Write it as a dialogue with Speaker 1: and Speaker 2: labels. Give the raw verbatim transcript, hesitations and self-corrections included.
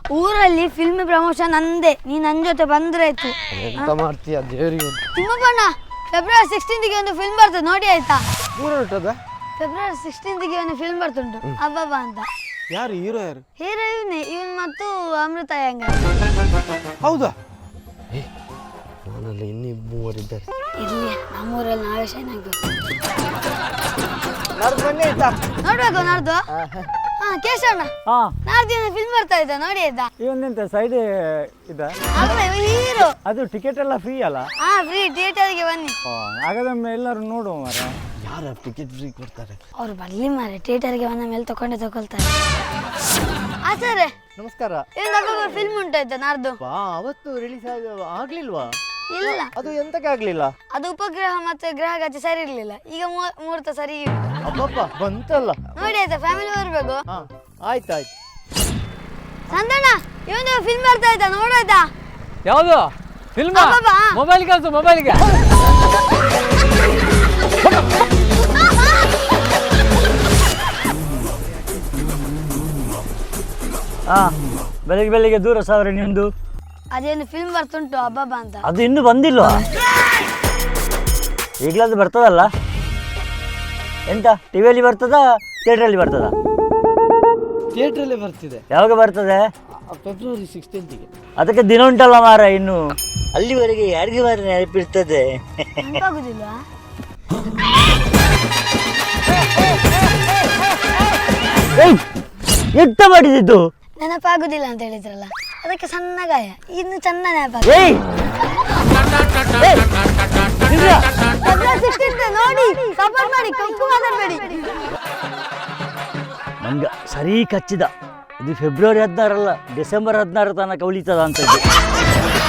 Speaker 1: ಊರಲ್ಲಿ film promotion ಅಂದೆ ನೀ ನನ್ನ ಜೊತೆ ಬಂದ್ರೆ ಆಯ್ತು.
Speaker 2: ಎಂತ ಮಾಡ್ತೀಯ ದೇವರಿಗೆ?
Speaker 1: ತಿಮ್ಮಪ್ಪಣ್ಣ ಫೆಬ್ರವರಿ ಸಿಕ್ಸ್ಟೀನ್ತ್ಗೆ ಒಂದು ಫಿಲ್ಮ್ ಬರ್ತದೆ ನೋಡಿ ಆಯ್ತಾ?
Speaker 2: ದೂರ ಹೊರಟದ?
Speaker 1: ಫೆಬ್ರವರಿ ಸಿಕ್ಸ್ಟೀನ್ತ್ಗೆ ಒಂದು ಫಿಲ್ಮ್ ಬರ್ತುಂಟು ಅಬ್ಬಬ್ಬ ಅಂತ.
Speaker 2: ಯಾರು ಹೀರೋ? ಯಾರು
Speaker 1: ಹೀರೋ? ಇವನೇ ಇವನ್ ಮತ್ತು ಅಮೃತ ಹೆಂಗ.
Speaker 2: ಹೌದಾ? ನಾನಲ್ಲಿ ಇನ್ನೂ ಮೂವರಿದ್ದಾರೆ.
Speaker 1: ಇರ್ಲಿ ನಮ್ಮೂರಲ್ಲಿ ನಾವೇ ಶೈನ್ ಆಗ್ಬೇಕು.
Speaker 2: ನಾಡ್ದು ಬನ್ನಿ ಆಯ್ತಾ?
Speaker 1: ನೋಡ್ಬೇಕು ನಾಡ್ದು. ಹಾ ಕೇಶವಣ್ಣ,
Speaker 3: ಹಾ
Speaker 1: ನಾಡ್ದು ಫಿಲ್ಮ್ ಬರ್ತಾ ಇದ್ದ ನೋಡಿ ಆಯ್ತಾ?
Speaker 3: ಇವನ್ನೆಂತ ಸೈಡ್ ಇದ
Speaker 1: ಹೀರೋ.
Speaker 3: ಅದು ಟಿಕೆಟ್ ಎಲ್ಲ ಫ್ರೀ ಅಲ್ಲ?
Speaker 1: ಹಾ ಫ್ರೀ, ಥಿಯೇಟರ್ಗೆ ಬನ್ನಿ.
Speaker 3: ಹಾಗಾದ್ರೆ ಎಲ್ಲರೂ ನೋಡುವ ಮಾರ.
Speaker 2: ಯಾರು ಟಿಕೆಟ್ ಫ್ರೀ ಕೊಡ್ತಾರೆ?
Speaker 1: ಅವ್ರು ಬರ್ಲಿ ಮಾರೆ, ಥಿಯೇಟರ್ಗೆ ಬಂದ ಮೇಲೆ ತಕೊಂಡೆ ತಗೊಳ್ತಾರೆ. ಆಚಾರ್ಯ
Speaker 2: ನಮಸ್ಕಾರ.
Speaker 1: ಇವನ್ ಫಿಲ್ಮ್ ಉಂಟಾಯ್ತಾ ನಾಡ್ದು?
Speaker 2: ಬಾ, ಅವತ್ತು ರಿಲೀಸ್ ಆಗ್ಲಿಲ್ವಾ?
Speaker 1: ಇಲ್ಲ,
Speaker 2: ಅದು ಎಂತಕ್ಕೆ ಆಗ್ಲಿಲ್ಲ?
Speaker 1: ಅದು ಉಪಗ್ರಹ ಮತ್ತೆ ಗ್ರಹಗತಿ ಸರಿ ಇರ್ಲಿಲ್ಲ. ಈಗ ಮುಹೂರ್ತ ಸರಿ ಉಂಟು.
Speaker 2: ಅಬ್ಬಬ್ಬ ಬಂತಲ್ಲ.
Speaker 1: ನೋಡಿ ಆಯ್ತಾ, ಫ್ಯಾಮಿಲಿ ಬರ್ಬೇಕು.
Speaker 2: ಹಾ ಆಯ್ತಾಯ್ತು.
Speaker 1: ಸಂದಣ್ಣ ಇವನು ಫಿಲ್ಮ್ ಬರ್ತಾ ಇದ್ದ ನೋಡಾಯ್ತಾ?
Speaker 3: ಯಾವುದು ಫಿಲ್ಮ್?
Speaker 1: ಅಬ್ಬಬ್ಬ.
Speaker 3: ಮೊಬೈಲ್ ಕಳ್ಸು, ಮೊಬೈಲ್ಗೆ. ಹಾ ಬೆಳಿಗ್ಗೆ ಬೆಳಿಗ್ಗೆ ದೂರ ಸಾವಿರ ನಿಮ್ದು.
Speaker 1: ಅದೇನು ಫಿಲ್ಮ್ ಬರ್ತುಂಟು ಅಬ್ಬಬ್ಬ ಅಂತ.
Speaker 3: ಅದು ಇನ್ನೂ ಬಂದಿಲ್ವಾ? ಈಗಲಾದ್ರು ಬರ್ತದಲ್ಲ? ಎಂತ ಟಿವಿಯಲ್ಲಿ ಬರ್ತದ ಥಿಯೇಟ್ರಲ್ಲಿ ಬರ್ತದ?
Speaker 2: ಥಿಯೇಟ್ರಲ್ಲೇ ಬರ್ತಿದೆ.
Speaker 3: ಯಾವಾಗ ಬರ್ತದೆ?
Speaker 2: ಫೆಬ್ರವರಿ ಸಿಕ್ಸ್ಟೀನ್ತ್ಗೆ.
Speaker 3: ಅದಕ್ಕೆ ದಿನ ಉಂಟಲ್ಲ ಮಾರ ಇನ್ನು. ಅಲ್ಲಿವರೆಗೆ ಯಾರಿಗೆ ಮಾರ ನೆನಪಿರ್ತದೆ?
Speaker 1: ನೆನಪಾಗುದಿಲ್ವಾ?
Speaker 3: ಎಂತ ಮಾಡಿದ್ದು?
Speaker 1: ನೆನಪಾಗುದಿಲ್ಲ ಅಂತ ಹೇಳಿದ್ರಲ್ಲ, ಅದಕ್ಕೆ ಸಣ್ಣ ಗಾಯ. ಇನ್ನು ಚೆನ್ನ ನೆನಪಾಗ ನೋಡಿ. ಸಪೋರ್ಟ್ ಮಾಡಿ, ಕಪ್ಪು ಮಾತಾಡಬೇಡಿ.
Speaker 3: ನಂಗೆ ಸರಿ ಕಚ್ಚಿದ. ಇದು ಫೆಬ್ರವರಿ ಹದಿನಾರಲ್ಲ, ಡಿಸೆಂಬರ್ ಹದಿನಾರು ತನಕ ಉಳಿತದ ಅಂತ.